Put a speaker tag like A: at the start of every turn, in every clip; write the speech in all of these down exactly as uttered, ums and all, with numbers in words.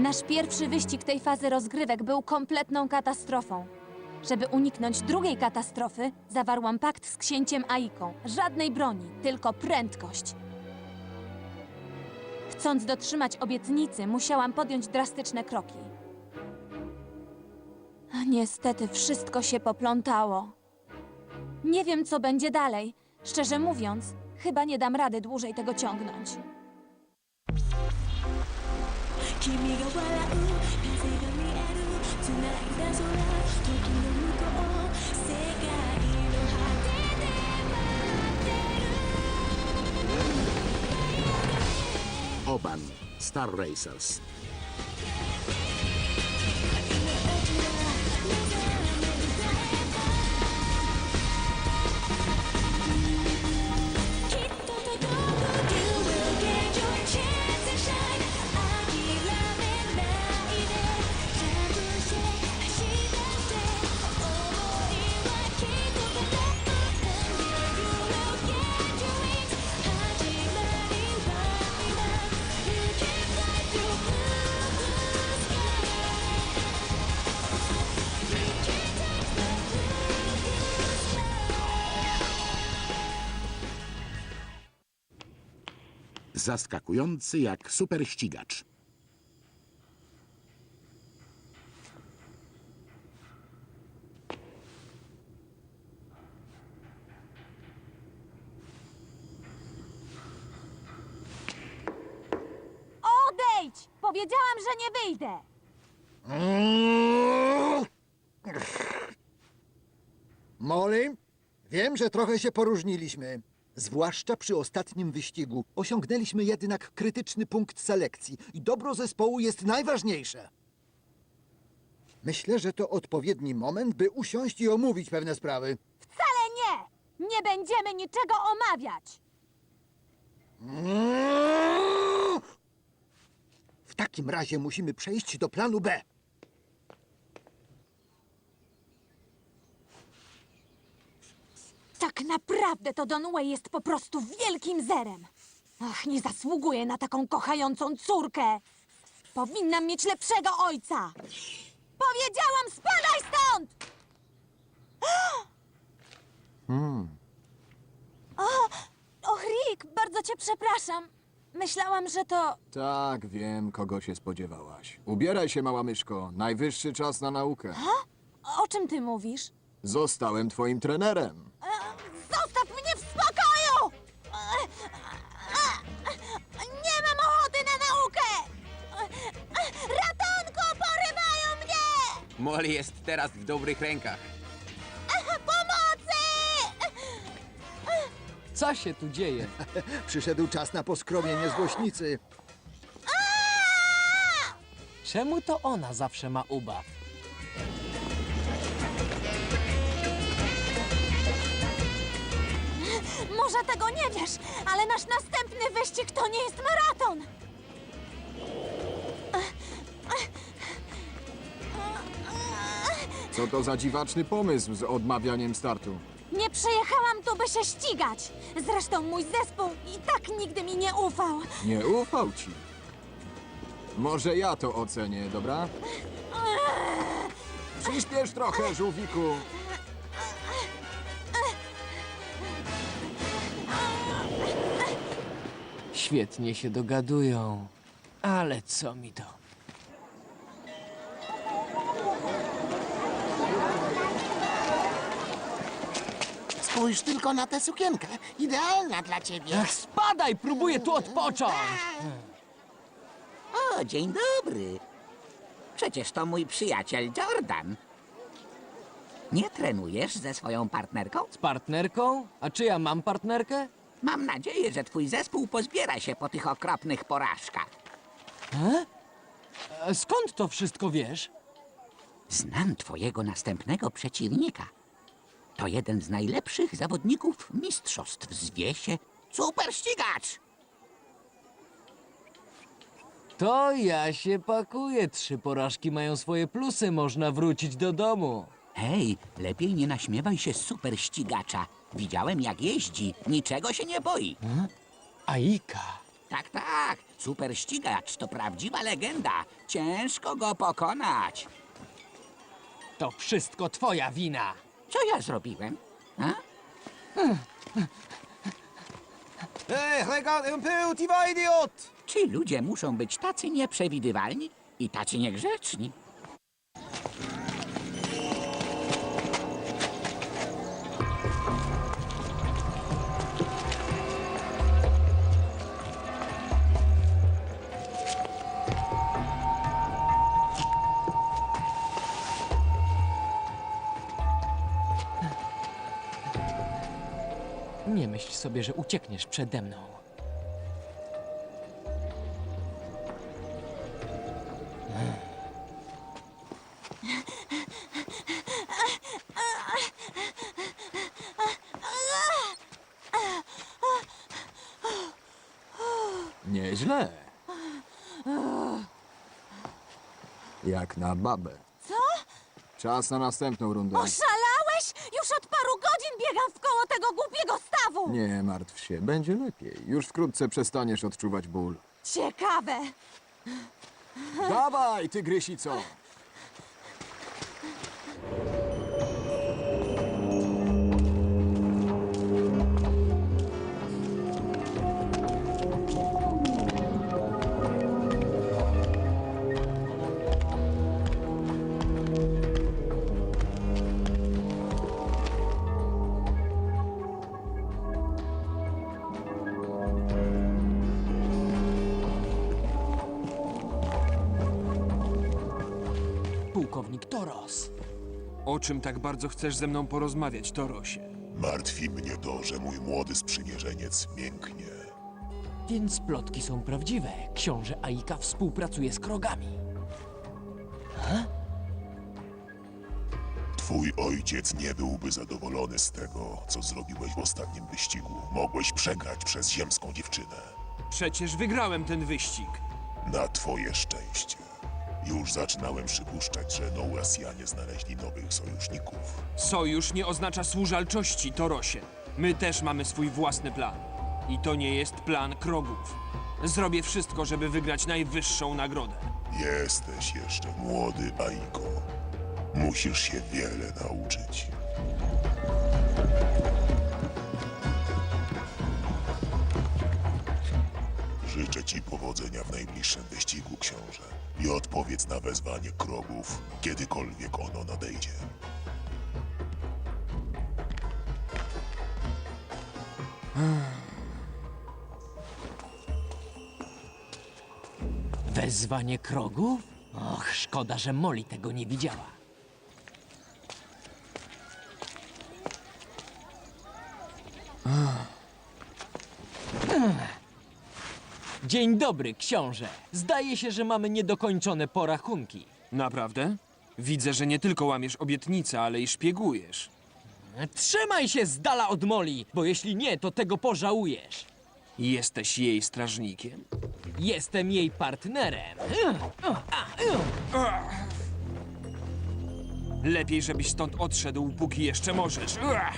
A: Nasz pierwszy wyścig tej fazy rozgrywek był kompletną katastrofą. Żeby uniknąć drugiej katastrofy, zawarłam pakt z księciem Aiką. Żadnej broni, tylko prędkość. Chcąc dotrzymać obietnicy, musiałam podjąć drastyczne kroki. Niestety wszystko się poplątało. Nie wiem, co będzie dalej. Szczerze mówiąc, chyba nie dam rady dłużej tego ciągnąć.
B: 君が笑う風が見える繋いだ空時の向こう世界の果てで待ってる
C: Oban, Star Racers. Zaskakujący jak super ścigacz.
A: Odejdź! Powiedziałam, że nie wyjdę!
D: Molly, wiem, że trochę się poróżniliśmy. Zwłaszcza przy ostatnim wyścigu. Osiągnęliśmy jednak krytyczny punkt selekcji i dobro zespołu jest najważniejsze. Myślę, że to odpowiedni moment, by usiąść i omówić pewne sprawy.
A: Wcale nie! Nie będziemy niczego omawiać!
D: W takim razie musimy przejść do planu B.
A: Tak naprawdę to Donway jest po prostu wielkim zerem. Ach, nie zasługuje na taką kochającą córkę. Powinnam mieć lepszego ojca. Powiedziałam, spadaj stąd!
D: Hmm.
A: O, och, Rick, bardzo cię przepraszam. Myślałam, że to...
E: Tak, wiem, kogo się spodziewałaś. Ubieraj się, mała myszko. Najwyższy czas na naukę.
A: O czym ty mówisz?
E: Zostałem twoim trenerem.
A: E, Zostaw mnie w spokoju! E, e, Nie mam ochoty na naukę! E, Ratunku, porywają mnie!
F: Molly jest teraz w dobrych rękach.
A: Pomocy!
G: Co się tu dzieje?
D: Przyszedł czas na poskromienie złośnicy.
G: Czemu to ona zawsze ma ubaw?
A: Może tego nie wiesz, ale nasz następny wyścig to nie jest maraton.
E: Co to za dziwaczny pomysł z odmawianiem startu?
A: Nie przyjechałam tu, by się ścigać. Zresztą mój zespół i tak nigdy mi nie ufał.
E: Nie ufał ci. Może ja to ocenię, dobra? Przyspiesz trochę, żółwiku.
G: Świetnie się dogadują. Ale co mi to?
H: Spójrz tylko na tę sukienkę. Idealna dla ciebie.
G: Ach, spadaj! Próbuję tu odpocząć!
I: O, dzień dobry. Przecież to mój przyjaciel Jordan. Nie trenujesz ze swoją partnerką?
G: Z partnerką? A czy ja mam partnerkę?
I: Mam nadzieję, że twój zespół pozbiera się po tych okropnych porażkach.
G: E, Skąd to wszystko wiesz?
I: Znam twojego następnego przeciwnika. To jeden z najlepszych zawodników mistrzostw. Zwie się Super Ścigacz.
G: To ja się pakuję. Trzy porażki mają swoje plusy. Można wrócić do domu.
I: Hej, lepiej nie naśmiewaj się z Super Ścigacza. Widziałem, jak jeździ. Niczego się nie boi.
G: Aika.
I: Tak, tak. Super ścigacz to prawdziwa legenda. Ciężko go pokonać.
G: To wszystko twoja wina.
I: Co ja zrobiłem? A?
F: Ej, regarde un peu, tu vas, idiot!
I: Ci ludzie muszą być tacy nieprzewidywalni i tacy niegrzeczni.
G: Nie myśl sobie, że uciekniesz przede mną.
E: Nieźle. Jak na babę.
A: Co?
E: Czas na następną rundę.
A: Oszalałeś? Już od paru godzin biegam w koło tego głupiego stawu!
E: Nie martw się, będzie lepiej. Już wkrótce przestaniesz odczuwać ból.
A: Ciekawe.
E: Dawaj, tygrysico!
G: Pułkownik Toros.
J: O czym tak bardzo chcesz ze mną porozmawiać, Torosie?
K: Martwi mnie to, że mój młody sprzymierzeniec mięknie.
G: Więc plotki są prawdziwe. Książę Aika współpracuje z krogami.
K: Twój ojciec nie byłby zadowolony z tego, co zrobiłeś w ostatnim wyścigu. Mogłeś przegrać przez ziemską dziewczynę.
J: Przecież wygrałem ten wyścig.
K: Na twoje szczęście. Już zaczynałem przypuszczać, że Nołasjanie znaleźli nowych sojuszników.
J: Sojusz nie oznacza służalczości, Torosie. My też mamy swój własny plan. I to nie jest plan krogów. Zrobię wszystko, żeby wygrać najwyższą nagrodę.
K: Jesteś jeszcze młody, Aiko. Musisz się wiele nauczyć. Życzę ci powodzenia w najbliższym wyścigu, książę. I odpowiedz na wezwanie krogów, kiedykolwiek ono nadejdzie.
G: Wezwanie krogów? Och, szkoda, że Molly tego nie widziała. Dzień dobry, książę. Zdaje się, że mamy niedokończone porachunki.
J: Naprawdę? Widzę, że nie tylko łamiesz obietnice, ale i szpiegujesz.
G: Trzymaj się z dala od Molly, bo jeśli nie, to tego pożałujesz.
J: Jesteś jej strażnikiem?
G: Jestem jej partnerem.
J: Lepiej, żebyś stąd odszedł, póki jeszcze możesz. Ua!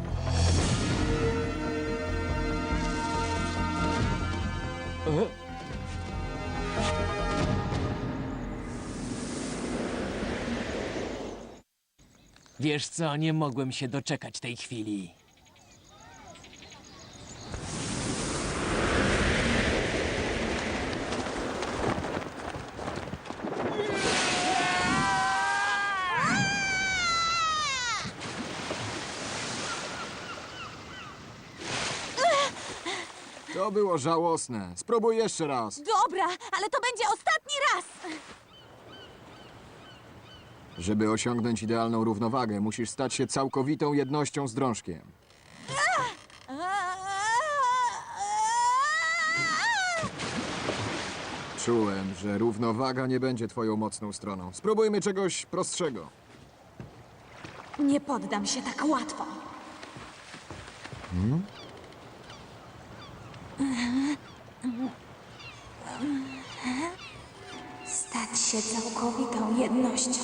G: Wiesz co, nie mogłem się doczekać tej chwili.
E: To było żałosne. Spróbuj jeszcze raz.
A: Dobra, ale to będzie ostatni raz.
E: Żeby osiągnąć idealną równowagę, musisz stać się całkowitą jednością z drążkiem. Czułem, że równowaga nie będzie twoją mocną stroną. Spróbujmy czegoś prostszego.
A: Nie poddam się tak łatwo. Stać się całkowitą jednością.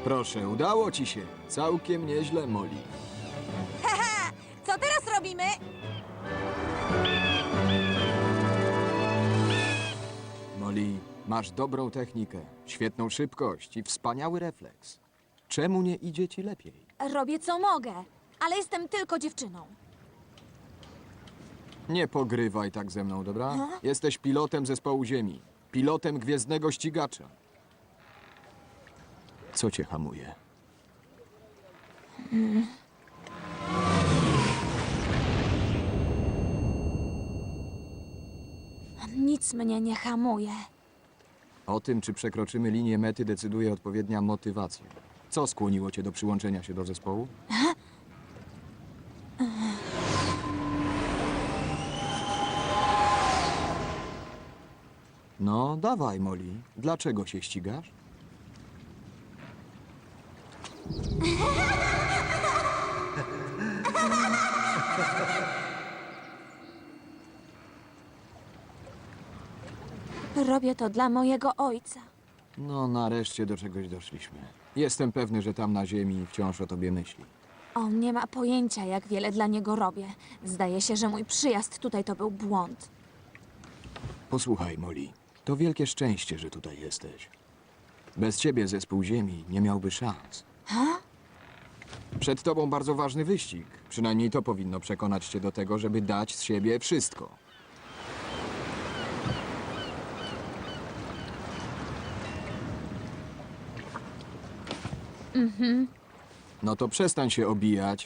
E: Proszę, udało ci się. Całkiem nieźle, Molly.
A: Co teraz robimy?
E: Molly, masz dobrą technikę, świetną szybkość i wspaniały refleks. Czemu nie idzie ci lepiej?
A: Robię co mogę, ale jestem tylko dziewczyną.
E: Nie pogrywaj tak ze mną, dobra? Jesteś pilotem zespołu Ziemi. Pilotem gwiezdnego ścigacza. Co cię hamuje?
A: Nic mnie nie hamuje.
E: O tym, czy przekroczymy linię mety, decyduje odpowiednia motywacja. Co skłoniło cię do przyłączenia się do zespołu? No, dawaj, Molly. Dlaczego się ścigasz?
A: Robię to dla mojego ojca.
E: No, nareszcie do czegoś doszliśmy. Jestem pewny, że tam na ziemi wciąż o tobie myśli.
A: On nie ma pojęcia, jak wiele dla niego robię. Zdaje się, że mój przyjazd tutaj to był błąd.
E: Posłuchaj, Molly. To wielkie szczęście, że tutaj jesteś. Bez ciebie zespół Ziemi nie miałby szans. Przed tobą bardzo ważny wyścig. Przynajmniej to powinno przekonać cię do tego, żeby dać z siebie wszystko. No to przestań się obijać.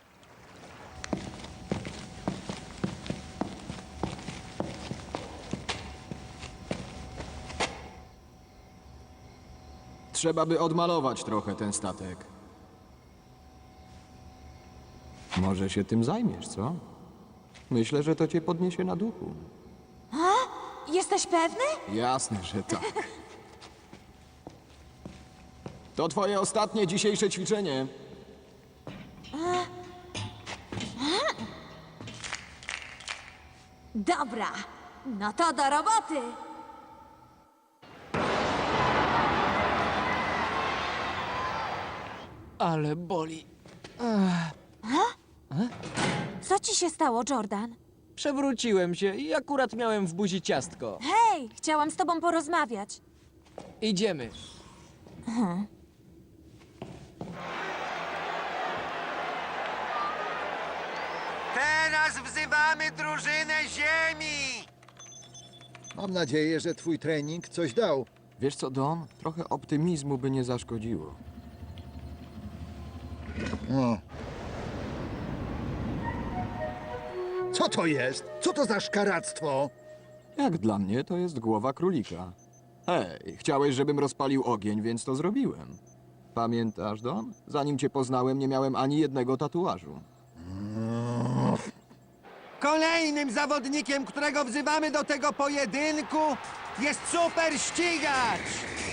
E: Trzeba by odmalować trochę ten statek. Może się tym zajmiesz, co? Myślę, że to cię podniesie na duchu.
A: Jesteś pewny?
E: Jasne, że tak. To twoje ostatnie dzisiejsze ćwiczenie.
A: Dobra, no to do roboty.
G: Ale boli.
A: Co ci się stało, Jordan?
G: Przewróciłem się i akurat miałem w buzi ciastko.
A: Hej, chciałam z tobą porozmawiać.
G: Idziemy.
F: Teraz wzywamy drużynę Ziemi!
D: Mam nadzieję, że twój trening coś dał.
E: Wiesz co, Don? Trochę optymizmu by nie zaszkodziło.
D: No. Co to jest? Co to za szkaractwo?
E: Jak dla mnie, to jest głowa królika. Hej, chciałeś, żebym rozpalił ogień, więc to zrobiłem. Pamiętasz, Don? Zanim cię poznałem, nie miałem ani jednego tatuażu.
F: Kolejnym zawodnikiem, którego wzywamy do tego pojedynku, jest super ścigacz!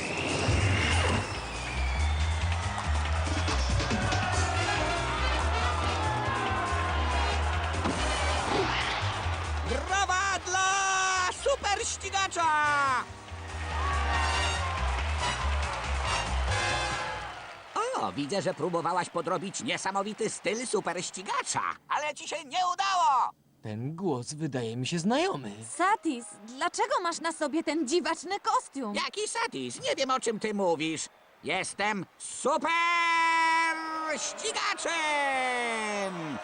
F: Brawa dla super ścigacza!
I: O, widzę, że próbowałaś podrobić niesamowity styl super ścigacza, ale ci się nie udało!
G: Ten głos wydaje mi się znajomy.
A: Satis, dlaczego masz na sobie ten dziwaczny kostium?
I: Jaki satis? Nie wiem, o czym ty mówisz. Jestem super ścigaczem!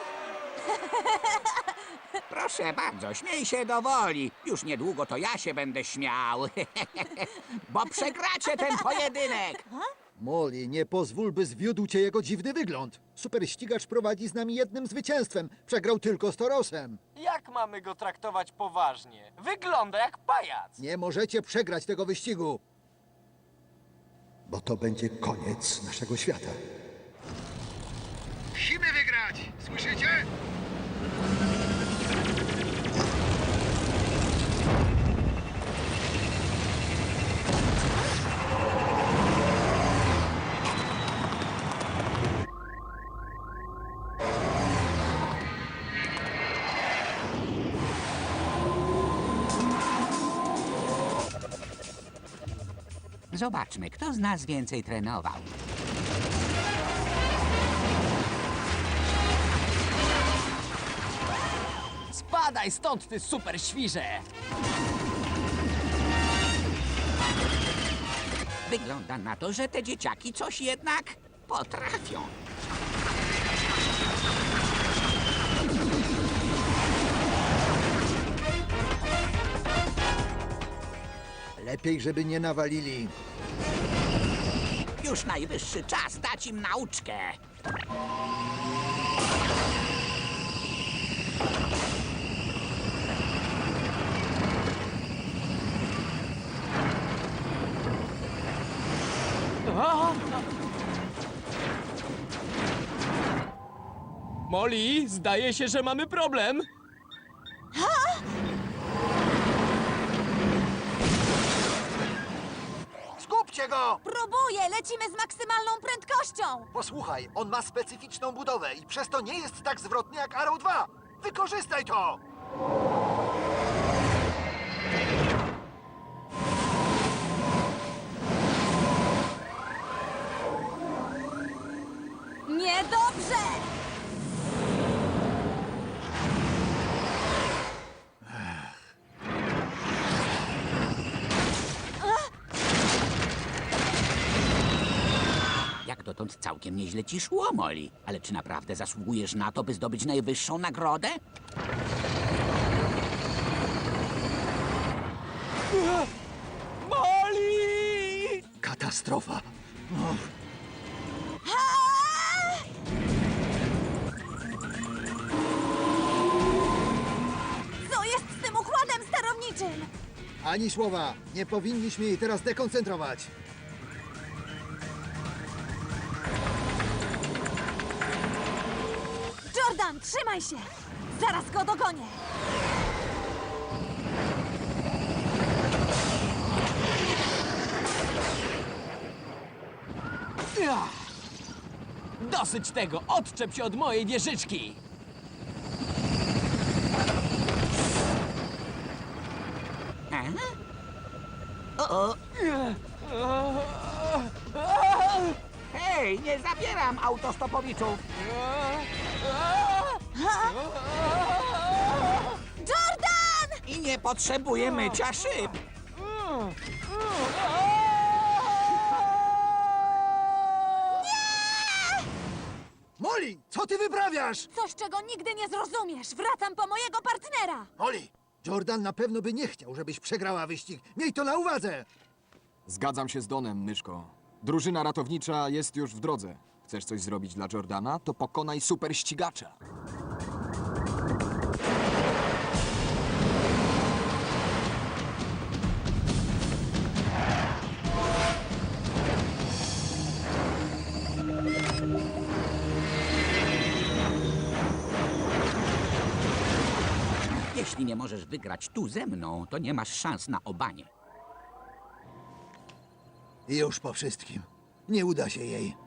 I: Proszę bardzo, śmiej się do woli. Już niedługo to ja się będę śmiał. Bo przegracie ten pojedynek.
D: Molly, nie pozwól, by zwiódł cię jego dziwny wygląd. Super ścigacz prowadzi z nami jednym zwycięstwem. Przegrał tylko z Torosem.
J: Jak mamy go traktować poważnie? Wygląda jak pajac.
D: Nie możecie przegrać tego wyścigu. Bo to będzie koniec naszego świata. Musimy wygrać! Słyszycie?
I: Zobaczmy, kto z nas więcej trenował.
G: Spadaj stąd, ty super świrze!
I: Wygląda na to, że te dzieciaki coś jednak potrafią.
D: Lepiej, żeby nie nawalili.
I: Już najwyższy czas dać im nauczkę.
G: Molly, zdaje się, że mamy problem.
D: Skupcie go!
A: Próbuję, lecimy z maksymalną prędkością.
D: Posłuchaj, on ma specyficzną budowę i przez to nie jest tak zwrotny jak Arrow dwa. Wykorzystaj to!
A: Niedobrze!
I: Jak dotąd całkiem nieźle ci szło, Molly. Ale czy naprawdę zasługujesz na to, by zdobyć najwyższą nagrodę?
G: Molly!
D: Katastrofa.
A: Co jest z tym układem sterowniczym?
D: Ani słowa. Nie powinniśmy jej teraz dekoncentrować.
A: Jordan, trzymaj się! Zaraz go dogonię!
G: Ach! Dosyć tego! Odczep się od mojej wieżyczki!
I: Aha. O, o. Hej, nie zabieram autostopowiczów.
A: Jordan!
I: I nie potrzebuję mycia szyb.
D: Molly, co ty wyprawiasz?
A: Coś, czego nigdy nie zrozumiesz. Wracam po mojego partnera.
D: Molly, Jordan na pewno by nie chciał, żebyś przegrała wyścig. Miej to na uwadze!
E: Zgadzam się z Donem, myszko. Drużyna ratownicza jest już w drodze. Chcesz coś zrobić dla Jordana? To pokonaj super ścigacza.
I: Jeśli nie możesz wygrać tu ze mną, to nie masz szans na obanie.
D: I już po wszystkim. Nie uda się jej.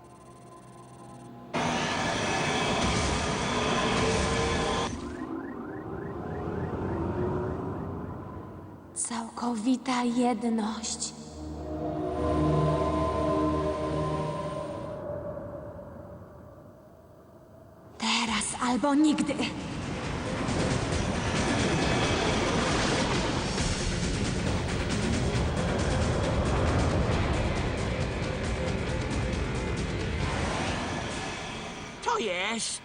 A: Całkowita jedność. Teraz albo nigdy.
I: To jest...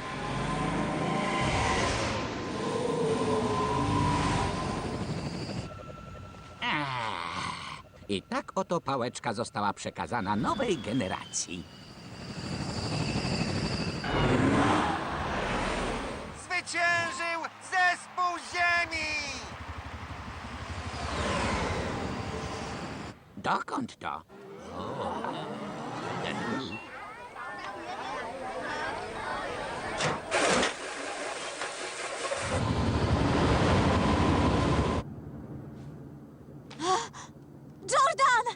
I: Ach, I tak oto pałeczka została przekazana nowej generacji.
F: Zwyciężył zespół Ziemi!
I: Dokąd to?
A: Jordan!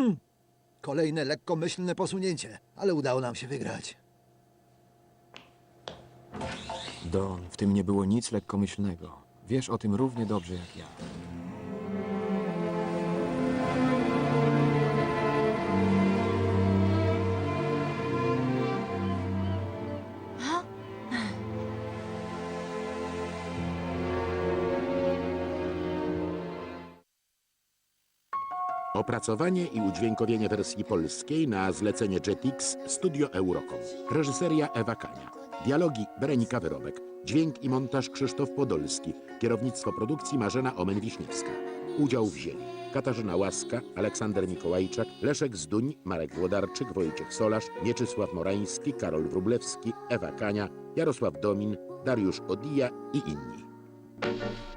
D: Kolejne lekkomyślne posunięcie, ale udało nam się wygrać.
E: Don, w tym nie było nic lekkomyślnego. Wiesz o tym równie dobrze jak ja.
C: Opracowanie i udźwiękowienie wersji polskiej na zlecenie Jetix Studio Eurocom. Reżyseria Ewa Kania. Dialogi Berenika Wyrobek. Dźwięk i montaż Krzysztof Podolski. Kierownictwo produkcji Marzena Omen-Wiśniewska. Udział wzięli Katarzyna Łaska, Aleksander Mikołajczak, Leszek Zduń, Marek Włodarczyk, Wojciech Solarz, Mieczysław Morański, Karol Wróblewski, Ewa Kania, Jarosław Domin, Dariusz Odija i inni.